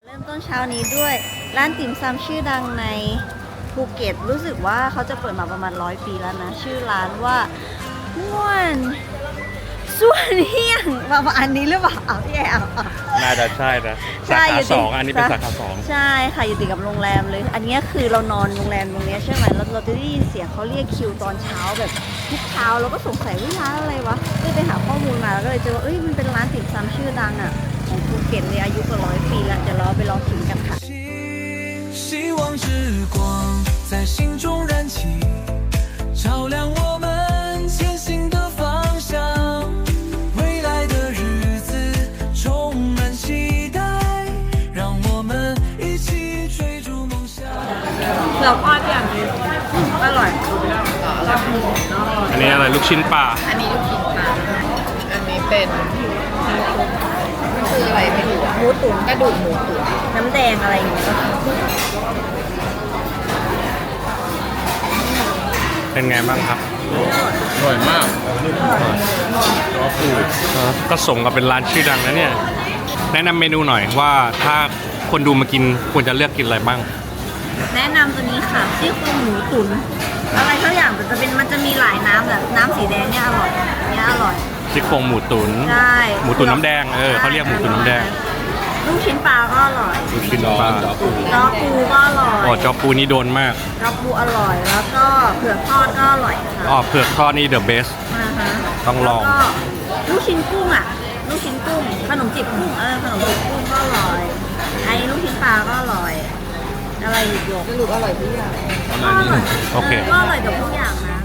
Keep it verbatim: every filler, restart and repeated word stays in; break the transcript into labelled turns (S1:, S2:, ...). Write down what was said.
S1: เริ่มต้นเช้านี้ด้วยร้านติ่มซำชื่อดังในภูเก็ตรู้สึกว่าเขาจะเปิดมาประมาณร้อยปีแล้วนะชื่อร้านว่าม่วนส่วนเฮียงประมาณนี้หรือเปล่าเอาพี่แอล
S2: น่าจะใช่นะ
S1: ใช่
S2: สา
S1: อยู่
S2: ขา
S1: ติด
S2: สองอันนี้เป็นสาขาสอง
S1: ใช่ค่ะอยู่ติดกับโรงแรมเลย อันนี้คือเรานอนโรงแรมตรงนี้ใช่ไหมเราเราจะได้ยินเสียงเขาเรียกคิวตอนเช้าแบบทุกเช้าเราก็สงสัยว่าร้านอะไรวะก็เลยไปหาข้อมูลมาแล้วก็เลยเจอว่าเอ้ยมันเป็นร้านติ่มซำชื่อดังอ่ะของภูเก็ตเลยอายุกว่าร้อยปีแล้วเดี๋ยวเราไปลองชิมกันค่ะ
S3: 希望之光在心中燃起，照亮我们前行的方向。未来的日子充满期待，让我们一起追逐梦想。
S1: เผือกทอดอย่างนี้อร่อย
S2: อันนี้อะไรลูกชิ้นปลา
S4: อันนี้ลูกชิ้นปลาอันนี้เป็นมันคืออะไรไม่รู้อะ
S1: หมูตุ๋น
S4: กระดูกหมูตุ๋น
S1: น้ำแดงอะไรอย่างเงี้ย
S2: เป็นไงบ้างครับ
S5: อร่อยมากรอฟู
S2: ก็สมกับเป็นร้านชื่อดังนะเนี่ยแนะนำเมนูหน่อยว่าถ้าคนดูมากินควรจะเลือกกินอะไรบ้าง
S1: แนะนำตัวนี้ค่ะซี่โครงหมูตุ๋นอะไรทุกอย่างมันจะเป็นมันจะมีหลายน้ำแบบน้ำสีแดงเนี่ยอร่อยเนี่ยอร่อย
S2: ซี่โครงหมูตุ๋น
S1: ใช่
S2: หมูตุ๋นน้ำแดงเออเขาเรียกหมูตุ๋นน้ำแดง
S1: ลูกชิ้นปลาก็อร่อย
S2: ลูกชิ้นปลา
S5: จอฟู
S1: จอปูก็อร่อย
S2: อ๋อจอปูนี่โดนมาก
S1: จอปูอร่อยแล้วก็เผือกทอดก็อร่อยค่ะ
S2: อ๋อเผือกทอดนี่เดอะเบส
S1: อ่าฮะ
S2: ต้องลอง
S1: แล้วก็ลูกชิ้นกุ้งอ่ะลูกชิ้นกุ้งขนมจีบกุ้งเออขนมจีบกุ้งก็อร่อยไอ้ลูกชิ้นปลาก็อร่อยอะไรอีกโยก
S4: สรุปอร่อยทุกอย่าง
S1: ก็อร่อย
S2: โอเค
S1: ก็อร่อยกับทุกอย่างนะ